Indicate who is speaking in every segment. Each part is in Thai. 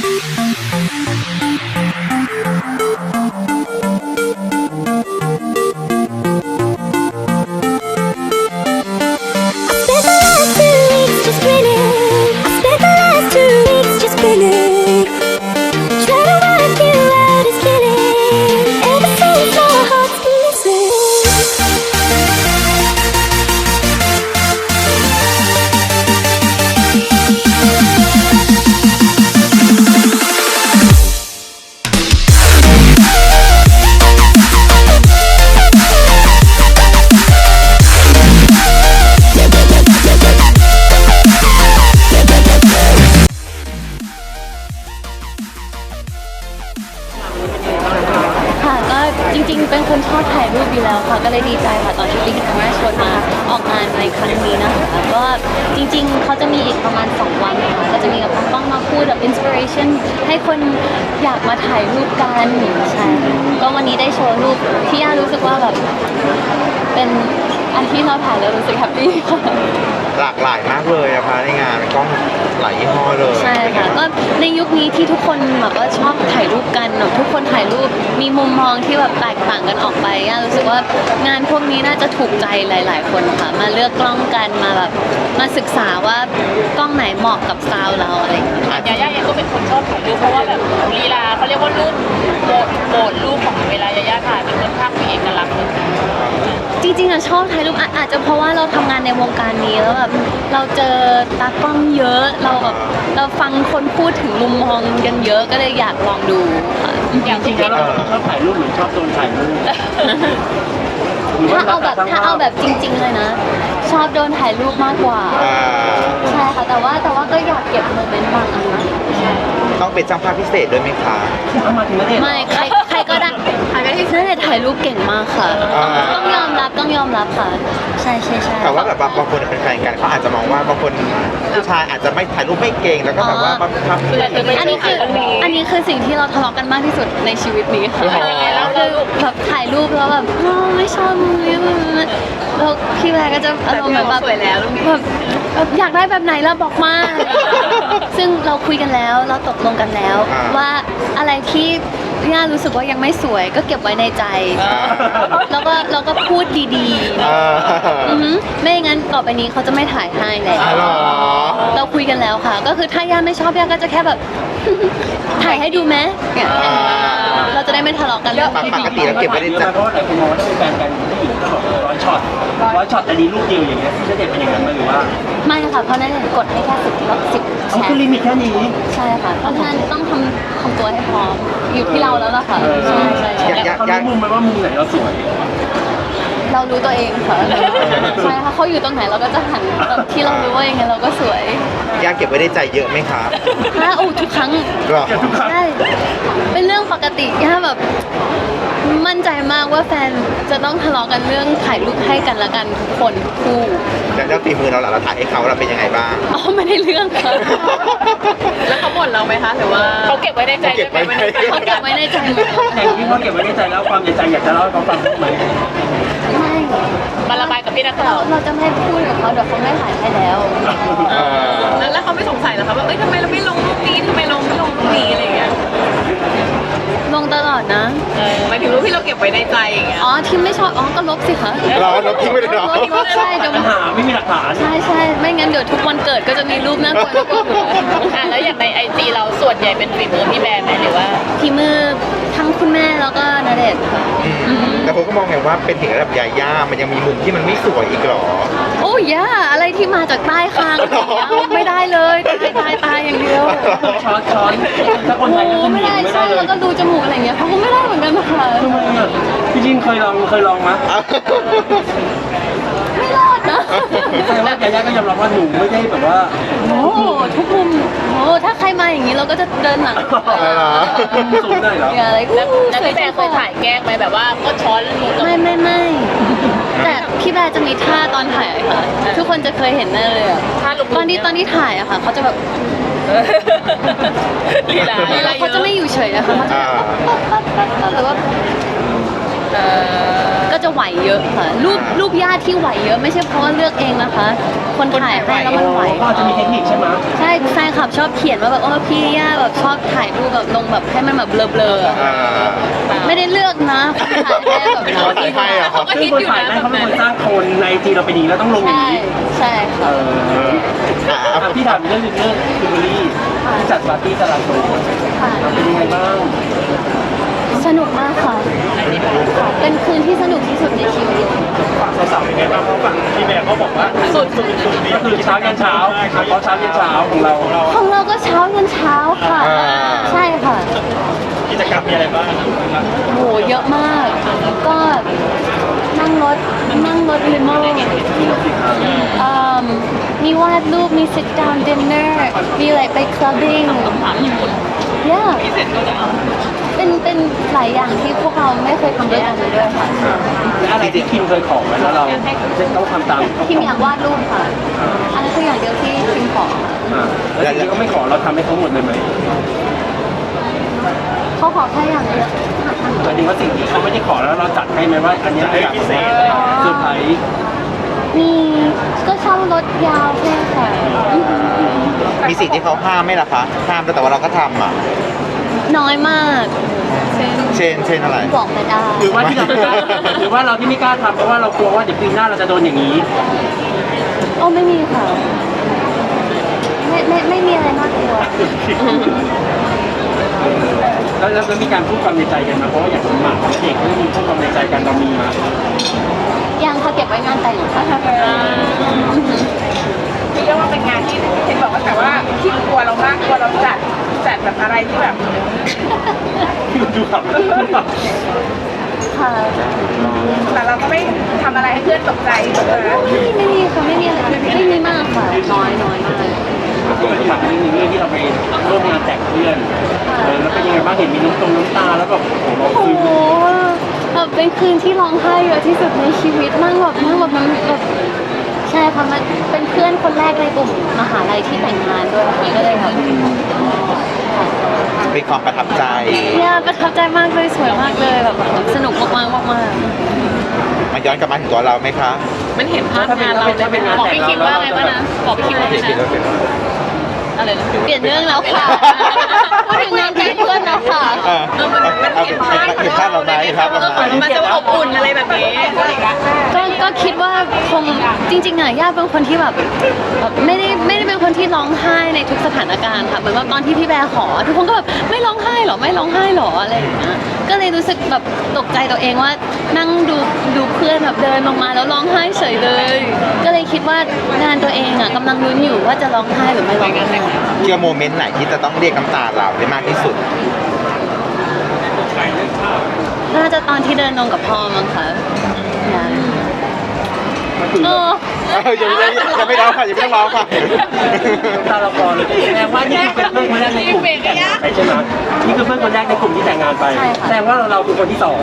Speaker 1: จริงๆเป็นคนชอบถ่ายรูปอยู่แล้วค่ะก็เลยดีใจค่ะตอนที่บิ๊กแคมราชวนมาออกงานในครั้งนี้นะคะก็จริงๆเขาจะมีอีกประมาณ2 วันค่ะก็จะมีกับน้องป้องมาพูดแบบอินสปิเรชันให้คนอยากมาถ่ายรูปกันใช่ก็วันนี้ได้โชว์รูปที่ย่ารู้สึกว่าแบบเป็นอันที่เราถ่ายแล้วรู้สึกแฮปปี้ค่ะ
Speaker 2: หลากหลายมากเลยอะคะในงานกล้องหลายยี่ห้อเลย
Speaker 1: ใช่ค่ะก็ในยุคนี้ที่ทุกคนแบบว่าชอบถ่ายรูปกันทุกคนถ่ายรูปมีมุมมองที่แบบแตกต่างกันออกไปรู้สึกว่างานพวกนี้น่าจะถูกใจหลายๆคนค่ะมาเลือกกล้องกันมาแบบมาศึกษาว่ากล้องไหนเหมาะกับสไตล์เราอะไรอย่างเงี้ย
Speaker 3: ยาย่าเองก็เป็นคนชอบถ่ายรูปเพราะว่าแบบลีลาเขาเรียกว่ารูปโหมดรูปของเวลายาย่าถ่ายเป็นค่อนข้างมีเอกลักษณ์
Speaker 1: จริงๆชอบถ่ายรูปอาจจะเพราะว่าเราทำงานในวงการนี้แล้วแบบเราเจอตากล้องเยอะเราฟังคนพูดถึงมุมมองกันเยอะก็เลยอยากลองดูค่ะ
Speaker 3: อย่างที่
Speaker 4: เราชอบถ่ายรูปหรือชอบโดนถ่ายรูป
Speaker 1: ถ้าเอาแบบจริงๆเลยนะชอบโดนถ่ายรูปมากกว่าใช่ค่ะแต่ว่าก็อยากเก็บโมเมนต์บางอัน
Speaker 2: ต้องเป็นช่างภาพพิเศษด้วยไหมคะ
Speaker 1: ไม่ใครก็ได้ถ่ายรูปเก่งมากค่ะต้องยอมรับค่ะใช่
Speaker 2: แต่ว่าแบบบางคนเป็นแฟนกันเขาอาจจะมองว่าบางคนผู้ชายอาจจะไม่ถ่ายรูปไม่เก่งแล้วก็แบบว่าบังคับ
Speaker 1: อันนี้คือสิ่งที่เราทะเลาะกันมากที่สุดในชีวิตนี้ค่ะแล้วคือแบบถ่ายรูปแล้วแบบไม่ชอบแล้วพี่แวร์ก็จะอารมณ์แบบ
Speaker 3: สวยแล้ว
Speaker 1: แบบอยากได้แบบไหนแล้วบอกมาซึ่งเราคุยกันแล้วเราตกลงกันแล้วว่าอะไรที่ย่ารู้สึกว่ายังไม่สวยก็เก็บไว้ในใจแล้วก็พูดดีๆไม่งั้นต่อไปนี้เขาจะไม่ถ่ายให้แล้วเราคุยกันแล้วค่ะก็คือถ้าย่าไม่ชอบย่าก็จะแค่แบบถ่ายให้ดูไหมเราจะได้ไม่ทะเลาะกันเรื่อง
Speaker 2: ปกติเราเก็บไว้ในใจ
Speaker 4: เพราะหลายคนมองว่าถ้าเป็นแฟนกันผู้หญิงก็บอก100 ช็อตแต่ดีรูปเดียวอย่างเงี้ยที่จะเด็ดเป็นอย่างนั้นไหมหรือว่า
Speaker 1: ไม่ค่ะเพราะนั่นกดให้แค่10แชร์
Speaker 4: คือลิมิตแค่นี้
Speaker 1: ใช่ค่ะเพราะฉะนั้นต้องทำตัวให้พร้อมอยู่ที่เราแล้วล่ะค่ะใช่
Speaker 4: เขารู้มุมไหมว่ามุมไหนเราสวย
Speaker 1: เรารู้ตัวเองค่ะใช่ค่ะเขาอยู่ตรงไหนเราก็จะหันที่เรารู้ว่ายังไงเราก็สวย
Speaker 2: ย่าเก็บไว้ในใจเยอะไหมคะ
Speaker 1: ทุกครั้งใช่เป็นเรื่องปกติย่าแบบมั่นใจมากว่าแฟนจะต้องทะเลาะกันเรื่องถ่ายรูปให้กันละกันทุกคนทุกคู่
Speaker 2: แล้วฝีมือเราล่ะเราถ่ายให้เขาเราเป็นยังไงบ้าง
Speaker 1: ไม่ได้เรื่องค่ะ
Speaker 3: แล้วเขาบ่นเราไหมคะหรือว่าเขาเก็บไว้ในใจ
Speaker 1: เขาเก็บไว้ในใจ
Speaker 4: แต่ที่เขาเก็บไว้ในใจแล้วความในใจอยากจะเล่าให้เขาฟังไหม
Speaker 1: ไม่
Speaker 3: มาระบายกับพี่นักข่าว
Speaker 1: เราจะไม่พูดกับเขาเดี๋ยวเขาไม่ถ่ายให้แล้ว
Speaker 3: แล้วเขาไม่สงสัยเหรอคะว่าทำไมเราไม่ลงรูปนี้ทำไมเราไม่ลงรูปนี้อะไรอย่างเงี้ย
Speaker 1: ลงตลอดนะ
Speaker 3: หมายถึงรูปที่เราเก็บไว้ในใจอย่างเงี้ย
Speaker 1: ที่ไม่ชอบก็ลบสิคะ
Speaker 2: เราลบทิ้งไปเลยเหรอ
Speaker 1: ใช่เดี๋ยว
Speaker 4: ปัญหาไม่มีหลักฐาน
Speaker 1: ใช่ไม่งั้นเดี๋ยวทุกวันเกิดก็จะมีรูปน่ากลัว
Speaker 3: แล้วอย่างในIGเราส่วนใหญ่เป็นฝีมือพี่แบร์ไหมหรือว่า
Speaker 1: ฝีมือทั้งคุณแม่แล้วก็ณเดชน์ค่ะ
Speaker 2: แต่ผมก็มองไงว่าเป็นถึงระดับยาย่ามันยังมีมุมที่มันไม่สวยอีกหรอ
Speaker 1: โอ้ย่าอะไรที่มาจากใต้คางไม่ได้เลยตายอย่างเดียว
Speaker 4: ช้อนถ้าคนไทย
Speaker 1: ไม่ได้ใช่แล้วก็ดูจมูกอะไรเงี้ยเขาก็ไม่ได้เหมือนกันค่ะ
Speaker 4: ทำไมอ่ะพี่จินเคยลองมั้ย
Speaker 1: ไม่รอดนะ
Speaker 4: แต่ว่ายาย่าก็ยอมรับว่าหนูไม่ได้แบบว่า
Speaker 1: ทุกมุมถ้าใครมาอย่างนี้เราก็จะเดินหลัง
Speaker 4: สูงได้เหรอ
Speaker 1: อะไร
Speaker 3: แล้วพี่แบร์เคยถ่ายแกล้งไหมแบบว่าก็ช้อน
Speaker 1: ไม่แต่พี่แบร์จะมีท่าตอนถ่ายค่ะทุกคนจะเคยเห็นแน่เลย
Speaker 3: ท่าลุก
Speaker 1: ตอนที่ถ่ายอะค่ะเขาจะแบบ
Speaker 3: ลีลา
Speaker 1: เขาจะไม่อยู่เฉยนะคะเขาจะแบบแล้วก็ก็จะไหวเยอะค่ะรูปญาติที่ไหวเยอะไม่ใช่เพราะว่าเลือกเองนะคะ คนถ่ายให้แล้วมันไหว
Speaker 4: ก็จะมีเทคนิคใช่ไหม
Speaker 1: ใช่แฟนคลับชอบเขียนว่าแบบพี่ย่าแบบชอบถ่ายรูปแบบลงแบบให้มันแบบเบลอๆอะ
Speaker 2: อ่า
Speaker 1: ไม่ได้เลือกนะถ่ายให้แบบ
Speaker 2: เขาถ่ายให้เหรอครับ
Speaker 4: ซึ่งคนถ่ายนั้นเขาเป็นคนสร้างโคนในจีเราเป็นดีแล้วต้องลงอย่าง
Speaker 1: ใช่
Speaker 4: นี้
Speaker 1: ใช่
Speaker 4: เอ
Speaker 1: ค่ะ
Speaker 4: อพี่ถามเรื่องคิมเบอรี่ที่จัดปาร์ตี้ตลาดโต
Speaker 1: ค่ะ
Speaker 4: เป็นยังไงบ้าง
Speaker 1: สนุกมากค่ะ เป็นคืนที่สนุกที่สุดในชีวิต
Speaker 4: ฝั่งสาวๆเป็นไงบ้างเพราะฝั่งพี่แบร์เขาบอกว่าสุดก็คือเช้ายันเช้าเขาเช้ายันเช้าของเรา
Speaker 1: ของเราก็เช้ายันเช้าค่ะ ใช่ค่ะ
Speaker 4: กิจกรรมมีอะไรบ้าง
Speaker 1: โหเยอะมาก ก็นั่งรถลิโม่มีวาดรูปมี sit down dinner มีอะไรไป clubbing yeah เป็นหลายอย่างที่พวกเราไม่เคยทำด้วยกันเลยด้วยค่ะ
Speaker 4: และอะไรที่คิมเคยขอไว้แล้วเราต้องทำตาม
Speaker 1: คิมอยากวาดรูปค่ะ อันนั้นคืออย่างเดียวที่คิมขอ
Speaker 4: แล้วทีนี้ก็ไม่ขอเราทำให้เขาหมดเลยไหม
Speaker 1: เขาขอแค่อย่างเดียว
Speaker 4: หมายถึงว่าสิ่งที่เขาไม่ได้ขอแล้วเราจัดให้ไหมว่าอันนี้อยากพิเศษเซอร์ไพรส์
Speaker 1: มีก็เช่ารถยาวแค่ค่ะ
Speaker 2: มีสิ่งที่เขาห้ามไหมล่ะคะห้ามแต่ว่าเราก็ทำอ่ะ
Speaker 1: น้อยมากเช่น
Speaker 2: เช่นอะไร
Speaker 1: บอกไม่ได้
Speaker 4: หรือว่าที่เราไม่กล้าหรือว่าเราที่ไม่กล้าทำเพราะว่าเรากลัวว่าเดี๋ยวปีหน้าเราจะโดนอย่างนี้
Speaker 1: โอ้ไม่มีค่ะ ไม่มีอะไรน่ากลัว
Speaker 4: แล้วมีการพูดความในใจกันมาเพราะว่าอย่างสมบัติเด็กก็มีพูดความในใจกันเรามีมา
Speaker 1: ยังเขาเก็บไว้งานแต่งค่ะ
Speaker 3: เรียกว่าเป็นงานที่เห็นบอกว่าแต่ว่าที่กลัวเรามากกลัวเราจัดแบบอะไรที่แบบ
Speaker 4: ดูครับ
Speaker 1: ค่ะ
Speaker 3: แต่เราก็ไม่ทำอะไรให้เพื่อนตกใจถูกไหม
Speaker 1: ไม่มีค่ะไม่มีอะไรไม่มีมากค่ะ น้อยมาก
Speaker 4: ก็เป็นฝั่งนี้เรื่องที่เราไปร่วมงานแต่งเพื่อนแล้วเป็นยังไงบ้างเห็นมีน้ำตาแล้วแบบโอ้โห
Speaker 1: โอ้โหแบบเป็นคืนที่ร้องไห้เยอะที่สุดในชีวิตนั่งแบบมันแบบใช่ค่ะมันเป็นเพื่อนคนแรกในกลุ่มมหาลัยที่แต่งงานด้วยค่ะก็เลยแบบ
Speaker 2: เป็นความประทับใจ
Speaker 1: เนี่ยประทับใจมากเลยสวยมากเลยแบบสนุกมากๆ
Speaker 2: มาย้อนกลับมาถึงตัวเราไหมคะ
Speaker 3: มันเห็นภาพงานเราเลยบอกพี่คิมว่าไงบ้างนะบอกพี่คิมว่าไงนะอะไรนะ
Speaker 1: เปลี่ยนเรื่องแล้วค่ะพูดถึงงานแต่งเพื่อนแล้วค่ะ
Speaker 2: เอาเห็นภาพเราไหมครับเราไหม
Speaker 3: มันจะอบอุ่นอะไรแบบนี้
Speaker 1: ก็คิดว่าคงจริงๆอ่ะย่าเป็นคนที่แบบไม่ได้เป็นคนที่ร้องไห้ในทุกสถานการณ์ค่ะเหมือนว่าตอนที่พี่แบร์ขอทุกคนก็แบบไม่ร้องไห้หรอไม่ร้องไห้หรออะไรอย่างเงี้ยก็เลยรู้สึกแบบตกใจตัวเองว่านั่งดูเพื่อนแบบเดินลงมาแล้วร้องไห้เฉยเลย ก็เลยคิดว่างานตัวเองอ่ะกำลังลุ้นอยู่ว่าจะร้องไห้หรือไม่ร้องไห้
Speaker 2: เกี่ยวโมเมนต์ไหนที่จะต้องเรียกน้ำตาเราได้มากที่สุด
Speaker 1: น่าจะตอนที่เดินลงกับพ่อมั้งคะเออ
Speaker 2: ยังไม่ร้องค่ะยังไม่ต้องร้องค่ะ
Speaker 4: น้ำตาเราคลอเลยแสดงว่านี่คือเป็นเพื่อนคนแรกในกลุ่มที่แต่งงานไปใช่ไหมนี่คือเพื่อนคนแรกในกลุ่มที่แต่งงานไปแสดงว่าเราคือคนที่สอง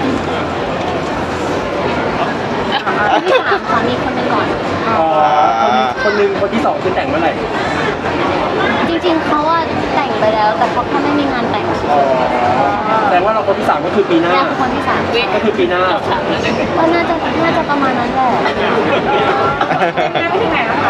Speaker 1: ที่สามค่ะมีคนหนึงก่อน
Speaker 4: คนหนึ่งคนที่สองคือแต่งเมื่อไหร่
Speaker 1: จริงๆเขาว่าแต่งไปแล้ว แต่เขาแค่ไม่มีงานแต่ง
Speaker 4: แสดงว่าเราคนที่สามก็คือปีหน้า
Speaker 1: ย่าเป็นคนที่สาม
Speaker 4: ก็คือปีหน้า
Speaker 1: ก็น่าจะประมาณนั้นแหละ
Speaker 3: ไปถึงไหนแล้วคะ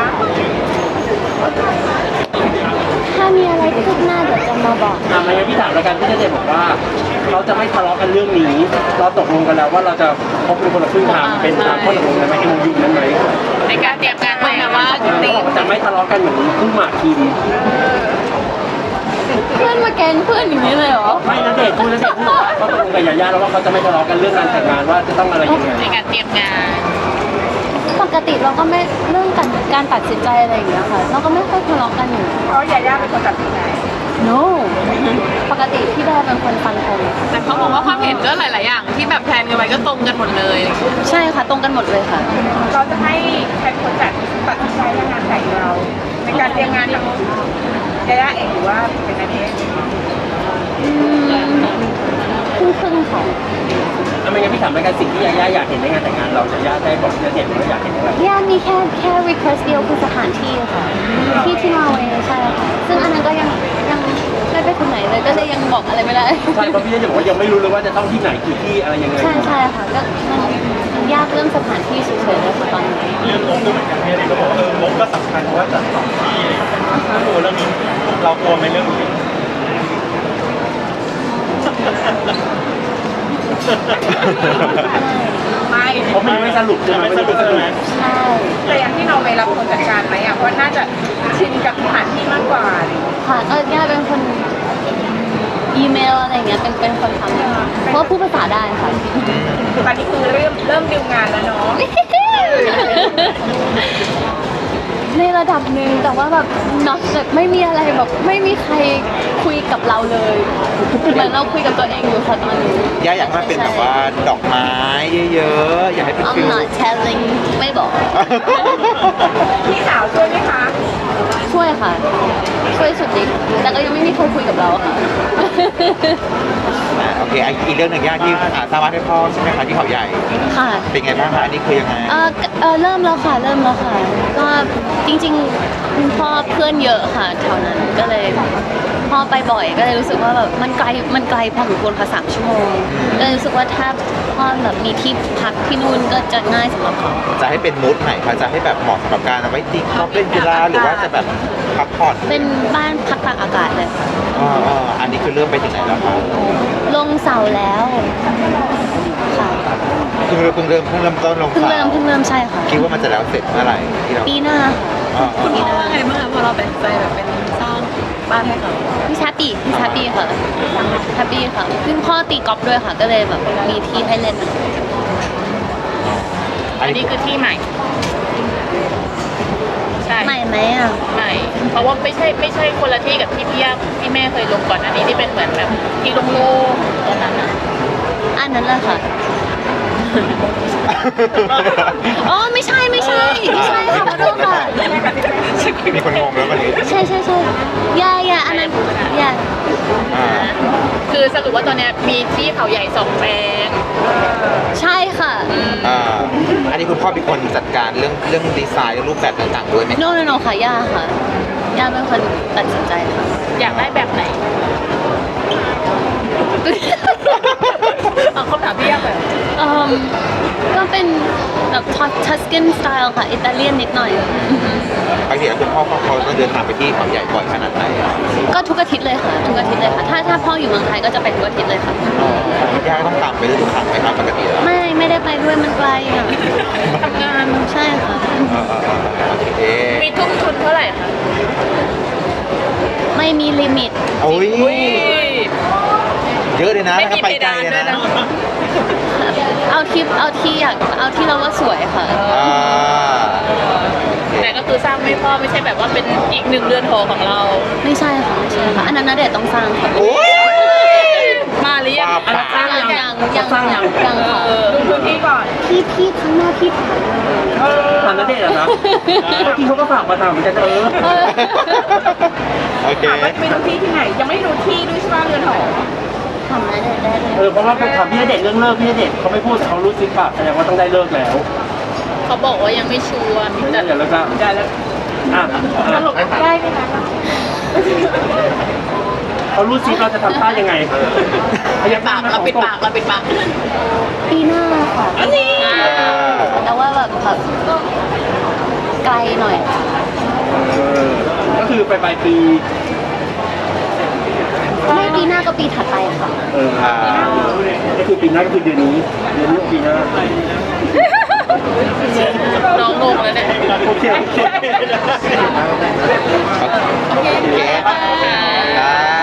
Speaker 1: ถ้ามีอะไรคืบหน้าเดี๋ยวจะมาบอก
Speaker 4: ไม่งั้นพี่ถามแล้วกันพี่เจบอกว่าเราจะไม่ทะเลาะกันเรื่องนี้ เราตกลงกันแล้วว่าเราจะพบเป็นคนละครึ่งทางเป็นตามข้อตกลงนั้นไหมเอ็มยูนั้นไหม
Speaker 3: ในการเตรียมการไว้แบบว่า
Speaker 4: เขาบอกว่าจะไม่ทะเลาะกันเหมือนคู่หมากคิม
Speaker 1: เพื่อนมาแกล้งเพื่อนอย่างนี้เลยเหรอ
Speaker 4: ไม่นะเด็กพูดว่าเขาตกลงกับยาย่าแล้วว่าเขาจะไม่ทะเลาะกันเรื่องการแต่งงานว่าจะต้องอะไรยังไง
Speaker 3: ในการเตรียมงาน
Speaker 1: ปกติเราก็ไม่เรื่องการตัดสินใจอะไรอย่างเงี้ยค่ะ เราก็ไม่ค่อยทะเลาะกันอยู่
Speaker 3: เพราะยาย่าเป็นคนตัดสินใจ
Speaker 1: no ปกติพี่แบร์เป็นคนฟังผม
Speaker 3: แต่เขาบอกว่าความเห็นก็หลาย ๆ อย่างที่แบบแพลนกันไว้ก็ตรงกันหมดเลย
Speaker 1: ใช่ค่ะตรงกันหมดเลยค่ะ
Speaker 3: เราจะให้ใครเป็นคนตัดสินใจเรื่องงานแต่งเรา ในการเตรียมงานทั้งยาย่าเองหรือว่าเป็นนันเอง
Speaker 1: ครึ่งค่ะ
Speaker 4: ไม่งั้นพี่ถามแล้วกันสิ่งที่ยาย่าอยากเห็นในงานแต่งงานเราจะย่าได้บอกจะเห็นว่าอยากเห็นอะไร
Speaker 1: ย่ามีแค่ request เดียวคือสถานที่ค่ะที่นอร์เวย์ใช่ค่ะซึ่งอันนั้นก็ยังไม่ไปถึงไหนเลยก็เลยยังบอกบอกอะไรไม่ได้
Speaker 4: ใช่เพราะพี่ณเดชน์บอกว่ายังไม่รู้เลยว่าจะต้องที่ไหนกี่ที่อะไรยังไง
Speaker 1: ใช่ใช่ค่ะก็มันยากเรื่องสถานที่เฉยๆเลยค่ะตอนนี้
Speaker 5: เรื่องงบก็เหมือนกันพี่ณเดชน์ก็บอกว่างบก็สำคัญเพราะว่าจัดสองที่อะไรอย่างเงี้ยถ้าโหเรื่องนี้เรากลัวไหมเรื่องนี้
Speaker 3: ไม่
Speaker 4: เพราะมันไม่สรุปใช่ไหม
Speaker 5: ไม่สรุปใช่ไหม
Speaker 1: ใช่
Speaker 3: แต่อย่างที่เราไปรับคนจัดการไหมอ่ะเพราะน่าจะชินกับสถานที่มากกว่าอะไรอย่างเงี้ย
Speaker 1: ค่ะก็ย่าเป็นคนอีเมลอะไรอย่างเงี้ยเป็นคนทำเพราะว่าพูดภาษาได้ค่ะ
Speaker 3: ตอนนี้คือเริ่มดิวงานแล้วเนาะ
Speaker 1: ในระดับหนึ่งแต่ว่าแบบน็อตแบบไม่มีอะไรแบบไม่มีใครคุยกับเราเลยเหมือนเราคุยกับตัวเองอยู่ค่ะตอนนี้
Speaker 2: ย่าอยากให้มันเป็นแบบว่าดอกไม้เยอะๆ อยากให้เป็น
Speaker 1: I'm
Speaker 2: ฟิล
Speaker 1: not telling ไม่บอก
Speaker 3: พี่สาวช่วยไหมคะ
Speaker 1: ช่วยค่ะ ช่วยสุดฤทธิ์แต่ก็ยังไม่มีใครคุยกับเราค่ะ
Speaker 2: โอเคอีกเรื่องหนึ่งย่าที่สร้างบ้านให้พ่อใช่ไหมคะที่เขาใหญ่
Speaker 1: ค่ะ
Speaker 2: เป็นไงบ้างคะอันนี้คือยังไง
Speaker 1: เริ่มแล้วค่ะ ก็จริงๆคุณพ่อเพื่อนเยอะค่ะแถวนั้นก็เลยพ่อไปบ่อยก็เลยรู้สึกว่าแบบมันไกลพอสมควรค่ะ3 ชั่วโมงก็เลยรู้สึกว่าถ้าพ่อแบบมีที่พักที่นู่นก็จะง่ายสำหรับเขา
Speaker 2: จะให้เป็นมูดไหนคะจะให้แบบเหมาะสำหรับการเอาไว้ตีกอล์ฟเล่นกีฬาหรือว่าจะแบบพักผ่อน
Speaker 1: เป็นบ้านพักตากอากาศเลยค่ะ
Speaker 2: อันนี้คือเริ่มไปถึงไหนแล้วคะ
Speaker 1: ลงเสาแล้วค่ะ
Speaker 2: เพิ่งเริ่มต้นลง
Speaker 1: เพิ่ง
Speaker 2: สา
Speaker 1: เริ่มใช่ค่ะ
Speaker 2: คิดว่ามันจะแล้วเสร็จเมื่อไหร่ที่เรา
Speaker 1: ปีหน้าค่ะ
Speaker 2: คุณพ่อ
Speaker 6: ว่าไงบ้างคะพอเราตัดสินใจแบบเป็นสร้างบ้านให้เขา
Speaker 1: พี่แฮปปี้ค่ะแฮปปี้ค่ะซึ่งพ่อตีกอล์ฟด้วยค่ะ ก็เลยแบบมีที่ให้เล่น
Speaker 2: อัน
Speaker 6: อัน
Speaker 2: นี้
Speaker 6: นี้คือที่ใหม่ ใช่
Speaker 1: ใหม่ไหมอ่ะ
Speaker 6: ใหม่ เพราะว่าไม่ใช่คนละที่กับที่พี่ย่าพี่แม่เคยลงก่อนอันนี้ที่เป็นเหมือนแบบที่โล่งๆตรงนั้นนะ
Speaker 1: อันนั้นแหละค่ะ อ๋อไม่ใช่ค่ะขอโทษค่ะ
Speaker 2: มีคนงงแล้ววันนี้
Speaker 1: ใช่อย่าอันนั้นอย่า
Speaker 2: อ่า
Speaker 6: คือสรุปว่าตอนเนี้ยมีที่เขาใหญ่2 แปลง
Speaker 1: ใช่ค่ะ
Speaker 2: อันนี้คุณพ่อเป็นคนจัดการเรื่องดีไซน์เรื่องรูปแบบต่างๆด้วยไหม
Speaker 1: โนค่ะย่าค่ะย่าเป็นคนตัดสินใจค่ะ
Speaker 6: อยากได้แบบไหนเอาคำถามพี่ย่าแบบ
Speaker 1: ก็เป็นแบบทัสกินสไตล์ค่ะ อิตาเลียนนิดหน่อย
Speaker 2: ปกติแล้วคุณพ่อเขาต้องเดินทางไปที่เขาใหญ่บ่อยขนาดไหนอะ
Speaker 1: ก็ทุกอาทิตย์เลยค่ะ ถ้าพ่ออยู่เมืองไทยก็จะไปทุกอาทิตย์เลยค่ะ
Speaker 2: ย่าต้องตามไปทุกครั้งไหมครับปกติแล้ว
Speaker 1: ไม่ได้ไปด้วยมันไกลอ่ะ
Speaker 6: ทำงาน
Speaker 1: ใช่ค่ะ
Speaker 2: โอเค
Speaker 6: มีทุ่มทุนเท่าไหร่คะ
Speaker 1: ไม่มีลิมิต
Speaker 2: โอ้ย
Speaker 6: อุ้ย
Speaker 2: เยอะเลยนะ
Speaker 6: ไม่
Speaker 2: ถ้า
Speaker 6: มี
Speaker 2: ไป
Speaker 6: เพ
Speaker 2: ไกล
Speaker 6: ดาน
Speaker 2: เลย
Speaker 6: ด้วย
Speaker 2: นะ
Speaker 6: นะ
Speaker 1: เอาที่เราว่าสวยค่ะ
Speaker 2: อ่า
Speaker 6: แต่ก็คือสร้างไม่พอไม่ใช่แบบว่าเป็นอีก1 เรือนหอของเรา
Speaker 1: ไม่ใช่ค่ะอันนั้นนะเดี๋ยวต้องสร้างค่ะ
Speaker 2: โอ้ย
Speaker 6: มาหรือยัง
Speaker 2: ว่าไป
Speaker 6: สร้างหรือยัง
Speaker 1: ยังค่ะ
Speaker 3: ดูพื้นที่ก่อน
Speaker 1: พี่ข้างหน้าพี่ถ่าย
Speaker 4: ตอนนั้นเด็กอะนะเมื่อกี้เขาก็ฝากมาถามเหมือนกัน
Speaker 2: โอเค
Speaker 3: ถามว่าไปดูที่ไหน ยังไม่ได้ดูที่ด้วยใช่ไหมเรือนหอ
Speaker 1: ทำนะได้เลย
Speaker 4: เพราะว่าถามพี่ณเดชน์เรื่องเลิกพี่ณเดชน์เขาไม่พูดเขารู้ซิปากแสดงว่าต้องได้เลิกแล้ว
Speaker 6: เขาบอกว่ายังไม่ชัวร์
Speaker 4: ไม่ได้เดี๋ยวเราจะได้แล้ว
Speaker 3: สรุปได้ไหมคะ
Speaker 4: เขารู้ซิปเราจะทำท่ายังไง
Speaker 6: เราปิดปาก
Speaker 1: ปีหน้าค่ะ
Speaker 6: อันนี้
Speaker 1: แต่ว่าแบบก็ไกลหน่อย
Speaker 4: ก็คือไปปลายปี
Speaker 1: ไม่ปีหน้าก็ปีถัดไปค่ะ
Speaker 4: ก็คือปีหน้าก็คือเดือนนี้ปีหน้า
Speaker 6: น้องงงแล้วเนี่ย
Speaker 4: โอเค
Speaker 2: โอเค
Speaker 6: ค่ะ